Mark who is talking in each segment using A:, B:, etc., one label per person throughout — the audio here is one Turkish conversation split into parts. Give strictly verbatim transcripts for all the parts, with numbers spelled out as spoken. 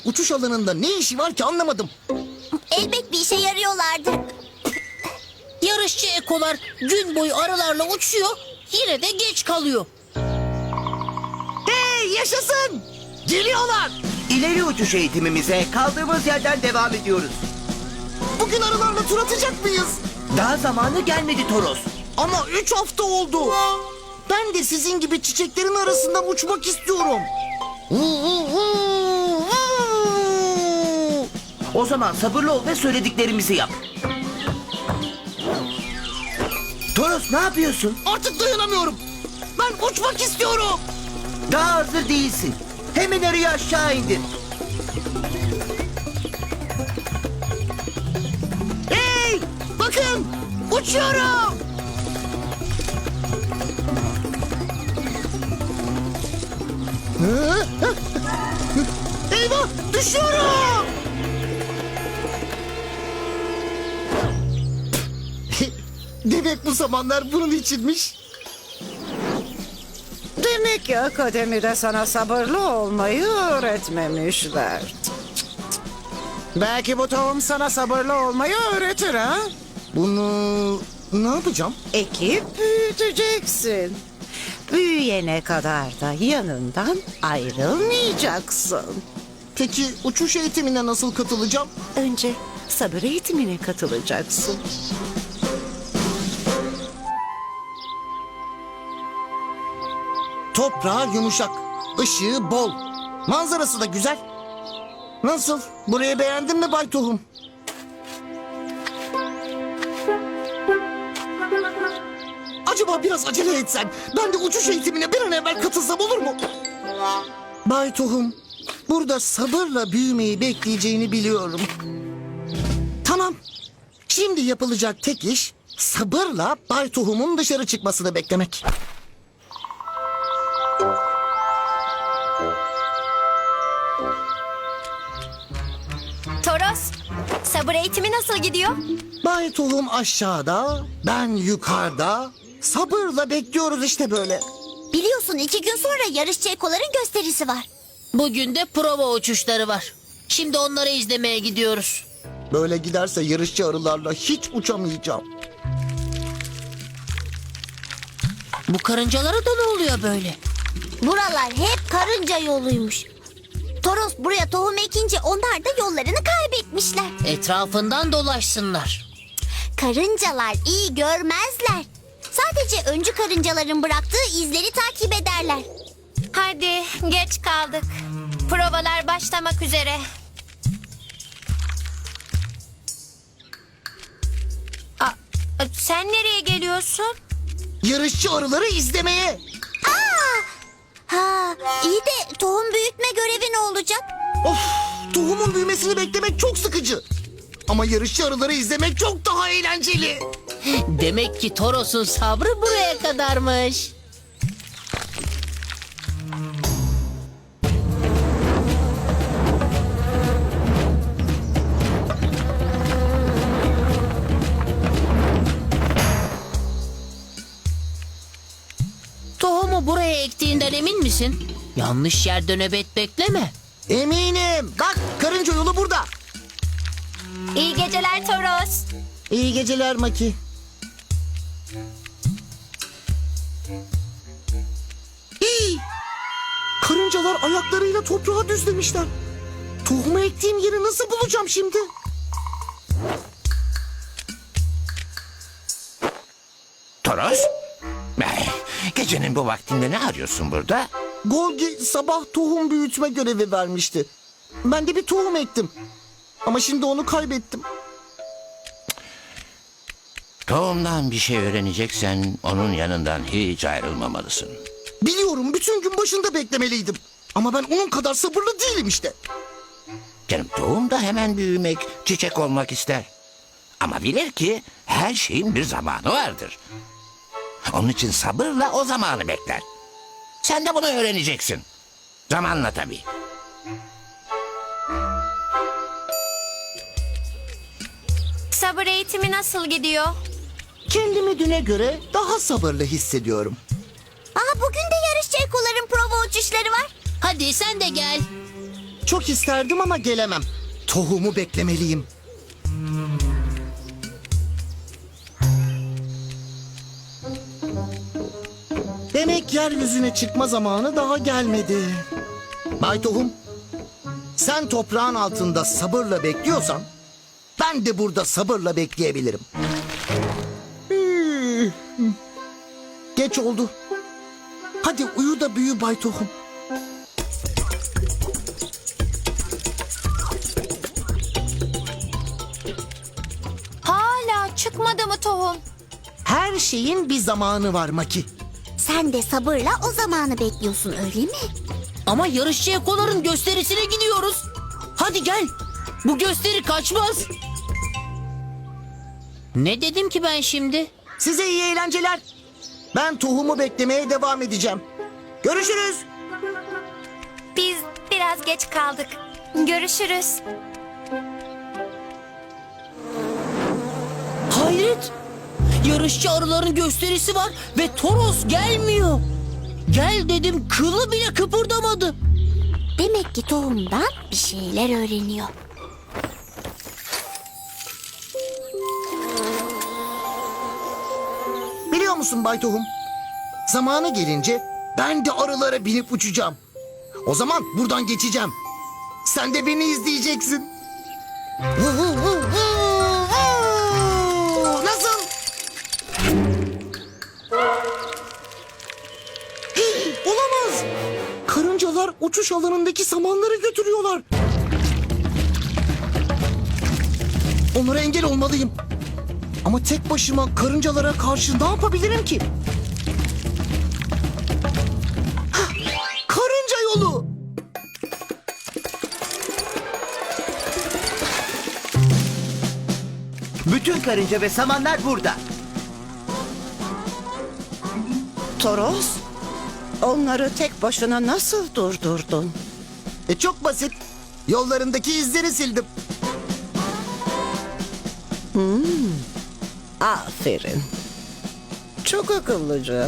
A: uçuş alanında ne işi var ki anlamadım.
B: Elbet bir işe yarıyorlardır.
C: Yarışçı ekolar gün boyu arılarla uçuyor, yine de geç kalıyor.
A: Hey yaşasın! Geliyorlar!
D: İleri uçuş eğitimimize kaldığımız yerden devam ediyoruz.
A: Bugün arılarla tur atacak mıyız?
D: Daha zamanı gelmedi Toros.
A: Ama üç hafta oldu. Ben de sizin gibi çiçeklerin arasından uçmak istiyorum.
D: O zaman sabırlı ol ve söylediklerimizi yap. Toros ne yapıyorsun?
A: Artık dayanamıyorum. Ben uçmak istiyorum.
D: Daha hazır değilsin. Hemen arıyı aşağı indir.
A: Hey! Bakın! Uçuyorum! Eyvah! Düşüyorum! Demek bu zamanlar bunun içinmiş.
E: Demek ki akademide sana sabırlı olmayı öğretmemişler. Belki bu tohum sana sabırlı olmayı öğretir ha?
A: Bunu ne yapacağım?
E: Ekip büyüteceksin. Büyüyene kadar da yanından ayrılmayacaksın.
A: Peki uçuş eğitimine nasıl katılacağım?
E: Önce sabır eğitimine katılacaksın.
A: Toprağı yumuşak, ışığı bol, manzarası da güzel. Nasıl? Burayı beğendin mi Bay Tohum? Acaba biraz acele etsen, ben de uçuş eğitimine bir an evvel katılsam olur mu? Bay Tohum, burada sabırla büyümeyi bekleyeceğini biliyorum. Tamam, şimdi yapılacak tek iş sabırla Bay Tohum'un dışarı çıkmasını beklemek.
B: Toros, sabır eğitimi nasıl gidiyor?
A: Bay Tohum aşağıda, ben yukarıda. Sabırla bekliyoruz işte böyle.
B: Biliyorsun iki gün sonra yarışçı ekoların gösterisi var.
C: Bugün de prova uçuşları var. Şimdi onları izlemeye gidiyoruz.
A: Böyle giderse yarışçı arılarla hiç uçamayacağım.
C: Bu karıncalara da ne oluyor böyle?
B: Buralar hep karınca yoluymuş. Toros buraya tohum ekince onlar da yollarını kaybetmişler.
C: Etrafından dolaşsınlar.
B: Karıncalar iyi görmezler. Sadece öncü karıncaların bıraktığı izleri takip ederler.
F: Hadi geç kaldık. Provalar başlamak üzere. Aa, sen nereye geliyorsun?
A: Yarışçı arıları izlemeye.
B: Ha, iyi de tohum büyütme görevi ne olacak?
A: Of, tohumun büyümesini beklemek çok sıkıcı. Ama yarışçı arıları izlemek çok daha eğlenceli.
C: Demek ki Toros'un sabrı buraya kadarmış. Tohumu buraya ektiğinden emin misin? Yanlış yerde nöbet bekleme.
A: Eminim. Bak karınca yolu burada.
F: İyi geceler Toros.
A: İyi geceler Maki. İyi. Karıncalar ayaklarıyla toprağa düzlemişler. Tohumu ektiğim yeri nasıl bulacağım şimdi?
G: Toros? Eh, Gecenin bu vaktinde ne arıyorsun burada?
A: Golgi sabah tohum büyütme görevi vermişti. Ben de bir tohum ektim. Ama şimdi onu kaybettim.
G: Tohumdan bir şey öğreneceksen onun yanından hiç ayrılmamalısın.
A: Biliyorum bütün gün başında beklemeliydim. Ama ben onun kadar sabırlı değilim işte.
G: Canım tohum da hemen büyümek, çiçek olmak ister. Ama bilir ki her şeyin bir zamanı vardır. Onun için sabırla o zamanı bekler. Sen de bunu öğreneceksin. Zamanla tabii.
F: Sabır eğitimi nasıl gidiyor?
A: Kendimi düne göre daha sabırlı hissediyorum.
B: Aa, bugün de yarışçı ekoların prova uçuşları var.
C: Hadi sen de gel.
A: Çok çok isterdim ama gelemem. Tohumu beklemeliyim. Demek yeryüzüne çıkma zamanı daha gelmedi. Bay Tohum, sen toprağın altında sabırla bekliyorsan ben de burada sabırla bekleyebilirim. Hmm. Geç oldu. Hadi uyu da büyü Bay Tohum.
F: Hala çıkmadı mı tohum?
A: Her şeyin bir zamanı var Maki.
B: Sen de sabırla o zamanı bekliyorsun öyle mi?
C: Ama yarışçı ekoların gösterisine gidiyoruz. Hadi gel. Bu gösteri kaçmaz. Ne dedim ki ben şimdi?
A: Size iyi eğlenceler. Ben tohumu beklemeye devam edeceğim. Görüşürüz.
F: Biz biraz geç kaldık. Görüşürüz.
C: Hayret. Yarışçı arıların gösterisi var ve Toros gelmiyor. Gel dedim, kılı bile kıpırdamadı.
B: Demek ki tohumdan bir şeyler öğreniyor.
A: Biliyor musun Bay Tohum? Zamanı gelince ben de arılara binip uçacağım. O zaman buradan geçeceğim. Sen de beni izleyeceksin. Nasıl? Olamaz. Karıncalar uçuş alanındaki samanları götürüyorlar. Onlara engel olmalıyım. Ama tek başıma karıncalara karşı ne yapabilirim ki? Hah, karınca yolu.
D: Bütün karınca ve samanlar burada.
E: Toros, onları tek başına nasıl durdurdun?
A: E çok basit. Yollarındaki izleri sildim.
E: Aferin. Çok akıllıca.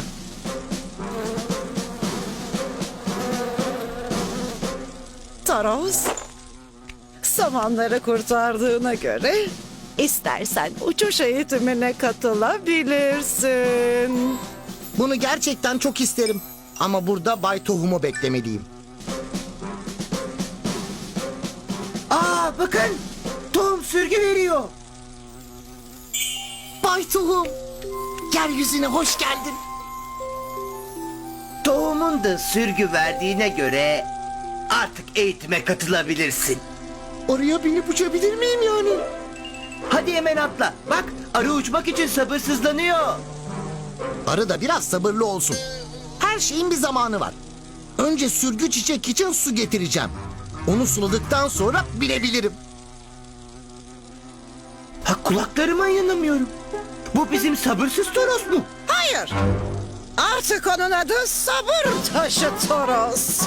E: Toros, samanları kurtardığına göre istersen uçuş eğitimine katılabilirsin.
A: Bunu gerçekten çok isterim. Ama burada Bay Tohum'u beklemeliyim.
D: Aa bakın. Tohum sürgü veriyor.
A: Bay Tohum, yeryüzüne hoş geldin.
D: Tohumun da sürgü verdiğine göre artık eğitime katılabilirsin.
A: Oraya binip uçabilir miyim yani?
D: Hadi hemen atla. Bak arı uçmak için sabırsızlanıyor.
A: Arı da biraz sabırlı olsun. Her şeyin bir zamanı var. Önce sürgü çiçek için su getireceğim. Onu suladıktan sonra binebilirim.
D: Ha kulaklarıma inanamıyorum. Bu bizim sabırsız Toros mu?
E: Hayır. Artık onun adı sabır taşı Toros.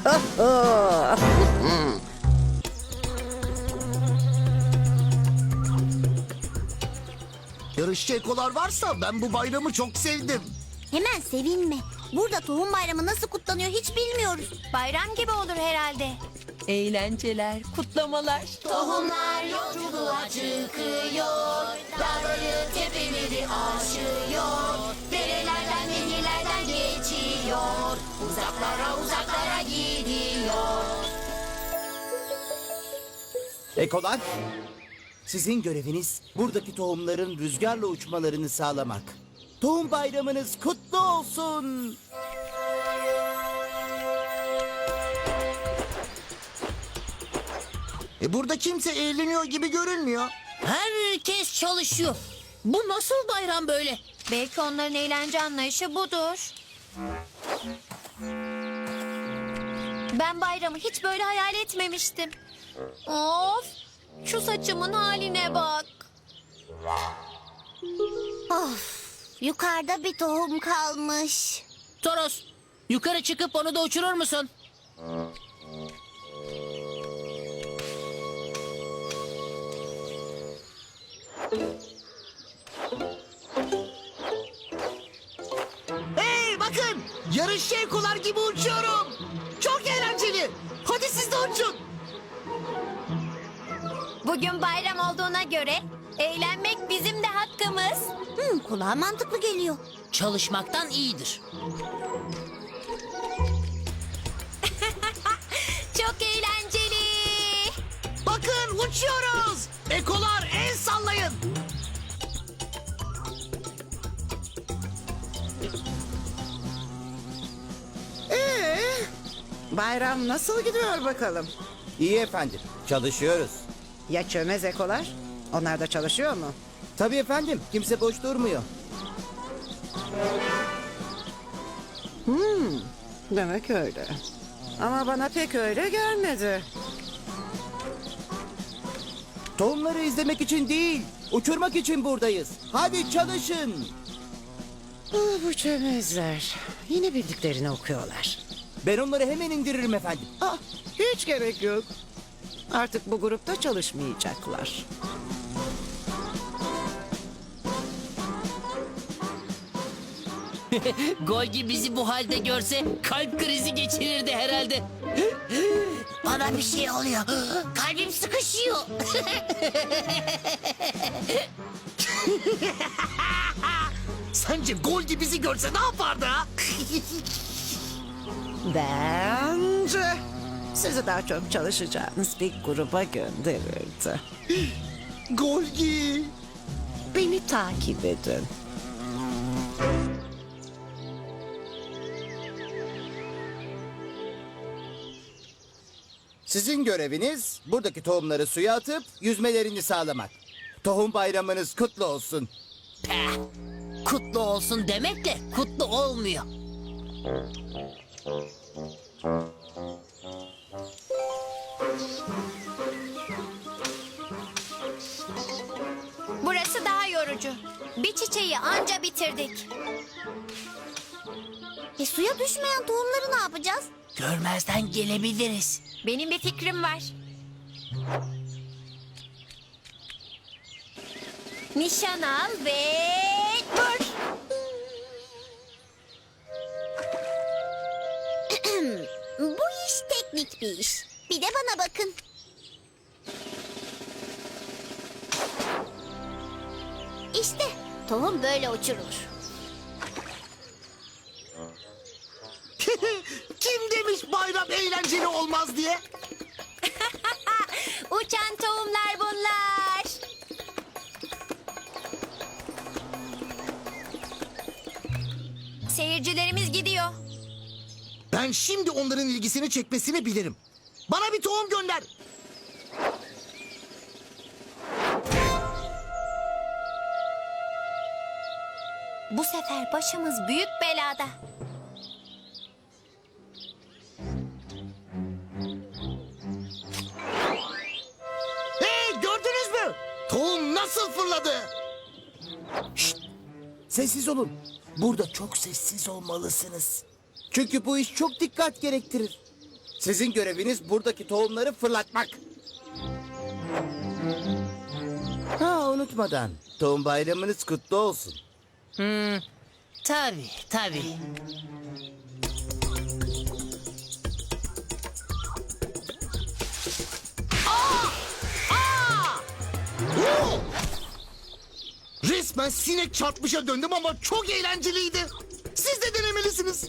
A: Yarışçı ekolar varsa ben bu bayramı çok sevdim.
B: Hemen sevinme. Burada tohum bayramı nasıl kutlanıyor hiç bilmiyoruz.
F: Bayram gibi olur herhalde.
C: Eğlenceler, kutlamalar.
F: Tohumlar yolculuğa çıkıyor. Dağları tepeleri aşıyor. Derelerden nehirlerden geçiyor. Uzaklara uzaklara gidiyor.
D: Ekolar, sizin göreviniz buradaki tohumların rüzgarla uçmalarını sağlamak. Tohum bayramınız kutlu olsun.
A: E burada kimse eğleniyor gibi görünmüyor.
C: Herkes çalışıyor. Bu nasıl bayram böyle?
F: Belki onların eğlence anlayışı budur. Ben bayramı hiç böyle hayal etmemiştim. Of! Şu saçımın haline bak.
B: Of, yukarıda bir tohum kalmış.
C: Toros, yukarı çıkıp onu da uçurur musun?
A: Hey bakın! Yarışçı ekolar gibi uçuyorum. Çok eğlenceli. Hadi siz de uçun.
B: Kulağa mantıklı geliyor.
C: Çalışmaktan iyidir.
F: Çok eğlenceli.
A: Bakın uçuyoruz. Ekolar el sallayın.
E: Ee, bayram nasıl gidiyor bakalım?
H: İyi efendim, çalışıyoruz.
E: Ya çömez ekolar? Onlar da çalışıyor mu?
H: Tabii efendim, kimse boş durmuyor.
E: Demek öyle. Ama bana pek öyle gelmedi.
H: Tohumları izlemek için değil, uçurmak için buradayız. Hadi çalışın.
E: Ah, bu çömezler. Yine bildiklerini okuyorlar.
H: Ben onları hemen indiririm efendim.
E: Ah, hiç gerek yok. Artık bu grupta çalışmayacaklar.
C: Golgi bizi bu halde görse kalp krizi geçirirdi herhalde. Bana bir şey oluyor. Kalbim sıkışıyor.
A: Sence Golgi bizi görse ne yapardı ha?
E: Bence sizi daha çok çalışacağınız bir gruba gönderirdi.
A: Golgi.
E: Beni takip edin.
H: Sizin göreviniz buradaki tohumları suya atıp yüzmelerini sağlamak. Tohum bayramınız kutlu olsun.
C: Peh, kutlu olsun demekle kutlu olmuyor.
F: Burası daha yorucu. Bir çiçeği anca bitirdik.
B: E suya düşmeyen tohumları ne yapacağız?
C: Görmezden gelebiliriz.
F: Benim bir fikrim var. Nişan al ve vur.
B: Bu iş teknik bir iş. Bir de bana bakın. İşte tohum böyle uçurulur.
A: Kim demiş bayram eğlenceli olmaz diye?
F: Uçan tohumlar bunlar. Seyircilerimiz gidiyor.
A: Ben şimdi onların ilgisini çekmesini bilirim. Bana bir tohum gönder.
F: Bu sefer başımız büyük belada.
A: Hey, gördünüz mü? Tohum nasıl fırladı?
H: Sessiz olun. Burada çok sessiz olmalısınız. Çünkü bu iş çok dikkat gerektirir. Sizin göreviniz buradaki tohumları fırlatmak. Ha, unutmadan tohum bayramınız kutlu olsun.
C: Tabii tabii.
A: Oo! Resmen sinek çarpmışa döndüm ama çok eğlenceliydi. Siz de denemelisiniz.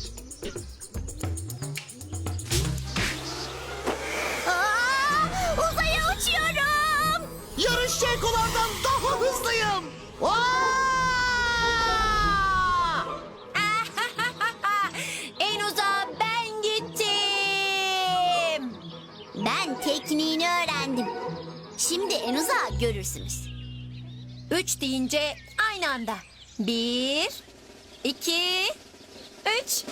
B: Aa, uzaya uçuyorum.
A: Yarışçı ekolardan daha hızlıyım. Aa!
F: En uzağa ben gittim.
B: Ben tekniğini öğrendim. Şimdi en uzağı görürsünüz.
F: Üç deyince aynı anda. Bir, iki, üç.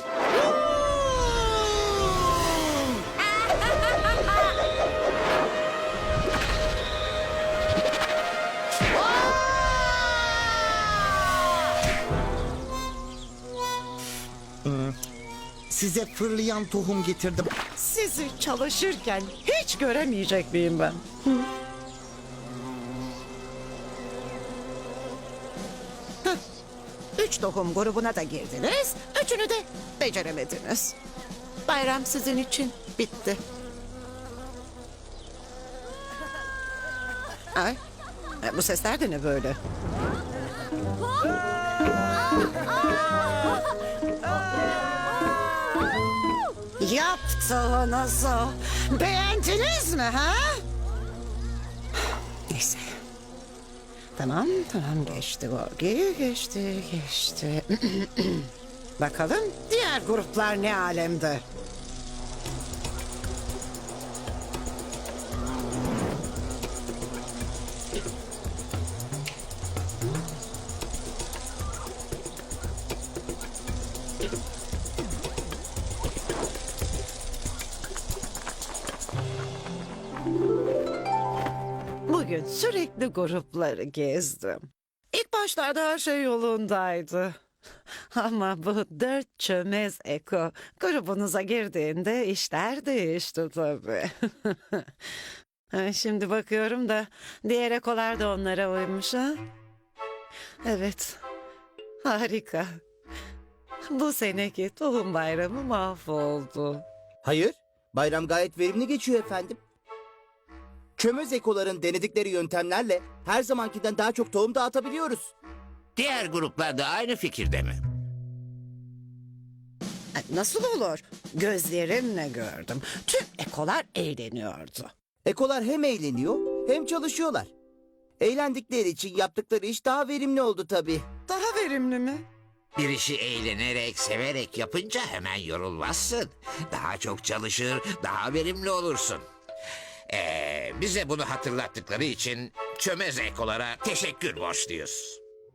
A: Size fırlayan tohum getirdim.
E: Sizi çalışırken hiç göremeyecek miyim ben? Hı? Hıh. Üç tohum grubuna da girdiniz. Üçünü de beceremediniz. Bayram sizin için bitti. Ay, e, bu sesler de ne böyle? Yaptığınızı beğendiniz mi ha? Neyse. Tamam tamam geçti Gorgi geçti geçti. Bakalım diğer gruplar ne alemde? Bugün sürekli grupları gezdim. İlk başlarda her şey yolundaydı. Ama bu dört çömez eko grubunuza girdiğinde işler değişti tabii. Ha, Şimdi bakıyorum da diğer ekolar da onlara uymuş ha. Evet, harika. Bu seneki tohum bayramı mahvoldu.
H: Hayır, bayram gayet verimli geçiyor efendim. Çömez ekoların denedikleri yöntemlerle her zamankinden daha çok tohum dağıtabiliyoruz.
G: Diğer gruplar da aynı fikirde mi?
E: Ay, Nasıl olur? Gözlerimle gördüm. Tüm ekolar eğleniyordu.
H: Ekolar hem eğleniyor hem çalışıyorlar. Eğlendikleri için yaptıkları iş daha verimli oldu tabii.
E: Daha verimli mi?
G: Bir işi eğlenerek, severek yapınca hemen yorulmazsın. Daha çok çalışır, daha verimli olursun. Ee, bize bunu hatırlattıkları için çömez ekolara teşekkür borçluyuz.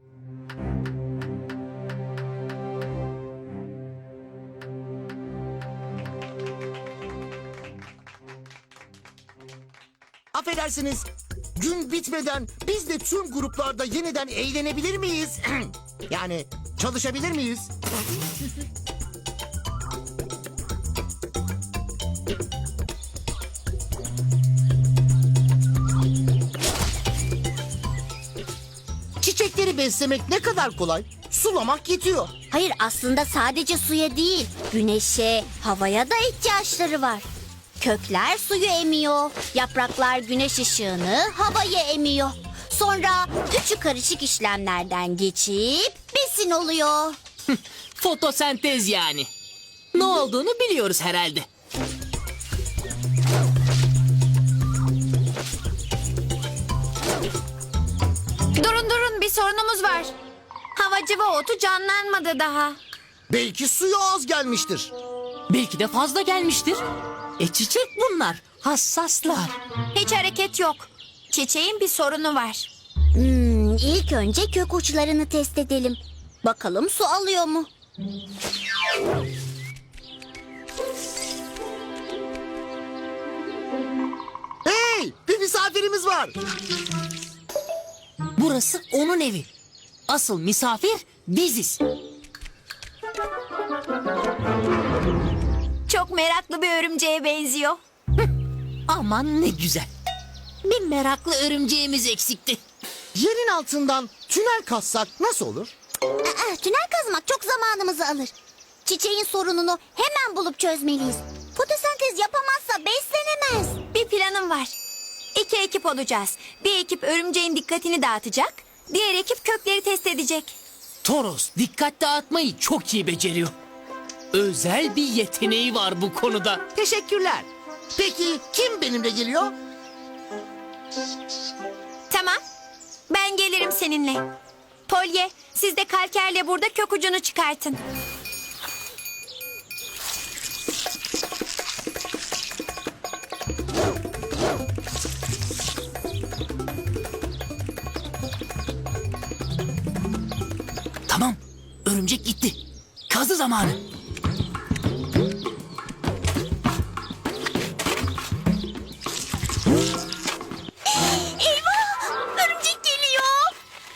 A: Affedersiniz. Gün bitmeden biz de tüm gruplarda yeniden eğlenebilir miyiz? Yani çalışabilir miyiz? Çiçekleri beslemek ne kadar kolay. Sulamak yetiyor.
B: Hayır aslında sadece suya değil, güneşe, havaya da ihtiyaçları var. Kökler suyu emiyor, yapraklar güneş ışığını havaya emiyor. Sonra üçü karışık işlemlerden geçip besin oluyor.
C: Fotosentez yani. Ne olduğunu biliyoruz herhalde.
F: Durun durun bir sorunumuz var. Havacıva otu canlanmadı daha.
A: Belki suyu az gelmiştir.
C: Belki de fazla gelmiştir. E çiçek bunlar. Hassaslar.
F: Hiç hareket yok. Çiçeğin bir sorunu var.
B: Hmm, ilk önce kök uçlarını test edelim. Bakalım su alıyor mu?
A: Hey, bir misafirimiz var.
C: Burası onun evi. Asıl misafir biziz.
F: Çok meraklı bir örümceğe benziyor.
C: Aman ne güzel. Bir meraklı örümceğimiz eksikti.
A: Yerin altından tünel kazsak nasıl olur?
B: Aa, tünel kazmak çok zamanımızı alır. Çiçeğin sorununu hemen bulup çözmeliyiz. Fotosentez yapamazsa beslenemez.
F: Bir planım var. İki ekip olacağız. Bir ekip örümceğin dikkatini dağıtacak. Diğer ekip kökleri test edecek.
C: Toros dikkat dağıtmayı çok iyi beceriyor. Özel bir yeteneği var bu konuda.
A: Teşekkürler. Peki kim benimle geliyor?
F: Tamam. Ben gelirim seninle. Polye, siz de kalkerle burada kök ucunu çıkartın.
C: Tamam. Örümcek gitti. Kazı zamanı.
B: Eyvah! Örümcek geliyor.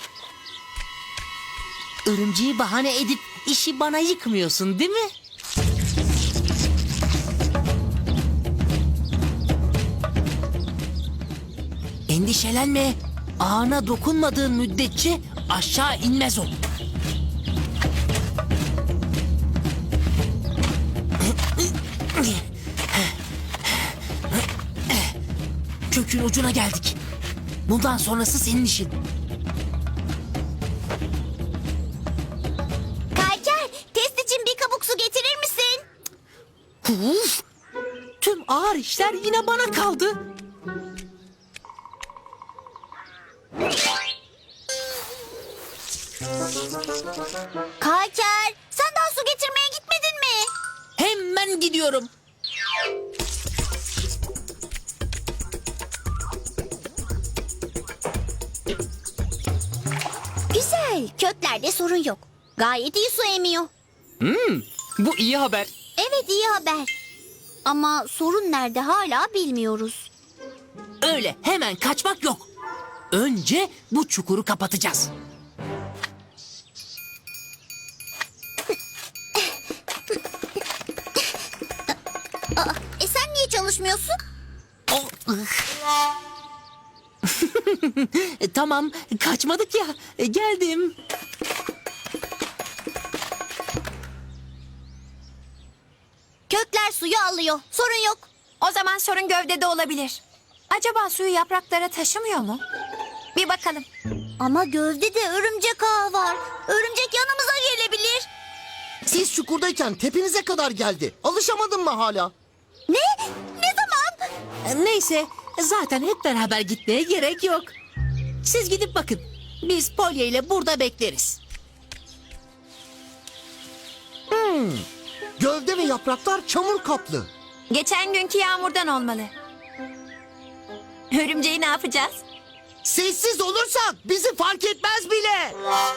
C: Örümceği bahane edip işi bana yıkmıyorsun değil mi? Endişelenme. Ağına dokunmadığın müddetçe aşağı inmez o. Kökün ucuna geldik. Bundan sonrası senin işin. Uf! Tüm ağır işler yine bana kaldı.
B: Kalker, sen daha su getirmeye gitmedin mi?
C: Hemen gidiyorum.
B: Güzel, köklerde sorun yok. Gayet iyi su emiyor.
C: Bu iyi haber.
B: Evet, iyi haber. Ama sorun nerede hala bilmiyoruz.
C: Öyle hemen kaçmak yok. Önce bu çukuru kapatacağız.
B: E sen niye çalışmıyorsun?
C: Oh, ıh. E, tamam, kaçmadık ya. E, geldim.
B: Kökler suyu alıyor. Sorun yok.
F: O zaman sorun gövdede olabilir. Acaba suyu yapraklara taşımıyor mu? Bir bakalım.
B: Ama gövdede örümcek ağı var. Örümcek yanımıza gelebilir.
A: Siz çukurdayken tepenize kadar geldi. Alışamadın mı hala?
B: Ne? Ne zaman?
C: E, Neyse, zaten hep beraber gitmeye gerek yok. Siz gidip bakın. Biz Polly ile burada bekleriz.
A: Gövde ve yapraklar çamur kaplı.
F: Geçen günkü yağmurdan olmalı. Örümceği ne yapacağız?
A: Sessiz olursak bizi fark etmez bile.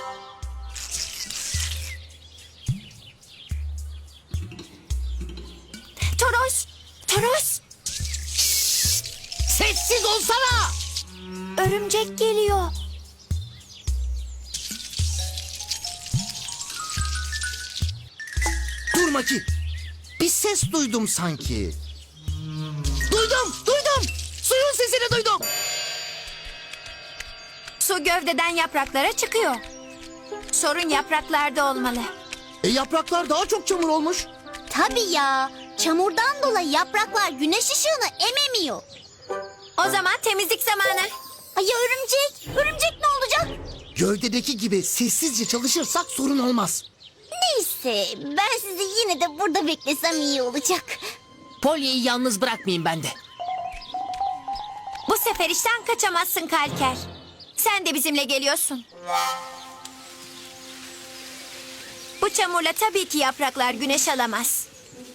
F: Toros! Toros!
A: Sessiz olsana.
F: Örümcek geliyor.
A: Dur Maki. Bir ses duydum sanki. Duydum, duydum. Suyun sesini duydum.
F: Su gövdeden yapraklara çıkıyor. Sorun yapraklarda olmalı.
A: E yapraklar daha çok çamur olmuş.
B: Tabii ya. Çamurdan dolayı yapraklar güneş ışığını ememiyor.
F: O zaman temizlik zamanı.
B: Ay ya örümcek? Örümcek ne olacak?
A: Gövdedeki gibi sessizce çalışırsak sorun olmaz.
B: Neyse, ben sizi yine de burada beklesem iyi olacak.
C: Polly'yi yalnız bırakmayayım ben de.
F: Bu sefer işten kaçamazsın Kalker. Sen de bizimle geliyorsun. Bu çamurla tabii ki yapraklar güneş alamaz.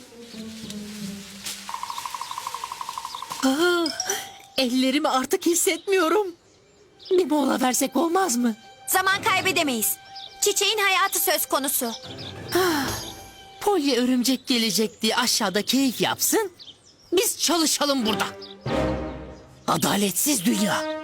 C: Ah, ellerimi artık hissetmiyorum. Bir mola versek olmaz mı?
F: Zaman kaybedemeyiz. Çiçeğin hayatı söz konusu.
C: Polly örümcek gelecek diye aşağıda keyif yapsın. Biz çalışalım burada. Adaletsiz dünya.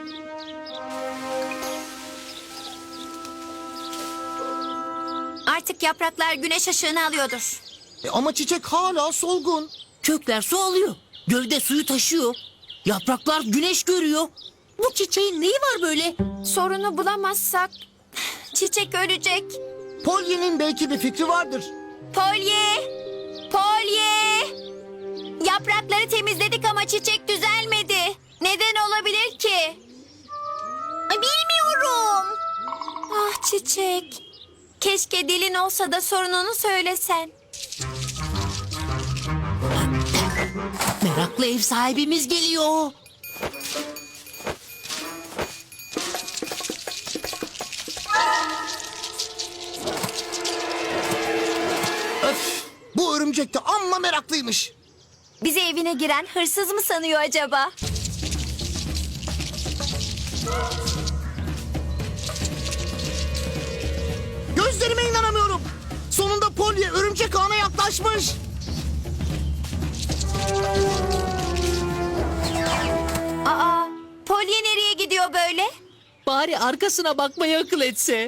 F: Artık yapraklar güneş ışığını alıyordur.
A: E ama çiçek hala solgun.
C: Kökler su alıyor. Gövde suyu taşıyor. Yapraklar güneş görüyor. Bu çiçeğin neyi var böyle?
F: Sorunu bulamazsak çiçek ölecek.
A: Polly'nin belki bir fikri vardır.
F: Polye! Polye! Yaprakları temizledik ama çiçek düzelmedi. Neden olabilir ki?
B: Ay, bilmiyorum.
F: Ah çiçek. Keşke dilin olsa da sorununu söylesen.
C: Meraklı ev sahibimiz geliyor.
A: Öf, bu örümcek de amma meraklıymış.
F: Bizi evine giren hırsız mı sanıyor acaba?
A: Gözlerime inanamıyorum. Sonunda Polly örümcek ağına yaklaşmış.
F: Aa, Polye nereye gidiyor böyle?
C: Bari arkasına bakmayı akıl etse.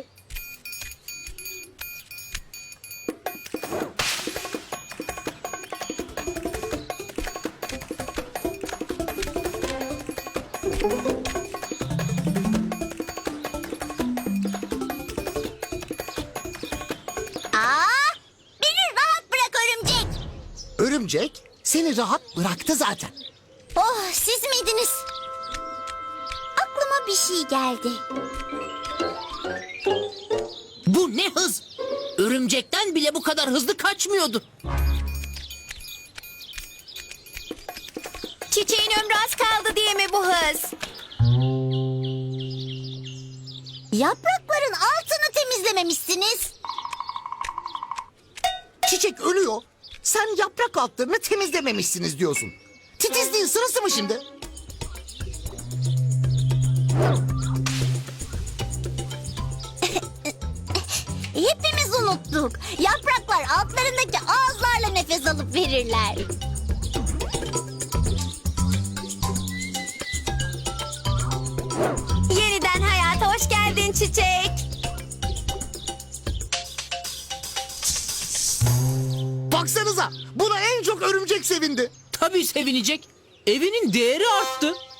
B: Aa, beni rahat bırak örümcek.
A: Örümcek seni rahat bıraktı zaten.
B: Oh, siz miydiniz? Aklıma bir şey geldi.
C: Bu ne hız? Örümcekten bile bu kadar hızlı kaçmıyordu.
B: Yaprakların altını temizlememişsiniz.
A: Çiçek ölüyor. Sen yaprak altlarını temizlememişsiniz diyorsun. Titizliğin sırası mı şimdi?
B: Hepimiz unuttuk. Yapraklar altlarındaki ağızlarla nefes alıp verirler.
F: Yeniden hayata hoş geldin çiçek.
A: Baksanıza, buna en çok örümcek sevindi.
C: Tabii sevinecek. Evinin değeri arttı.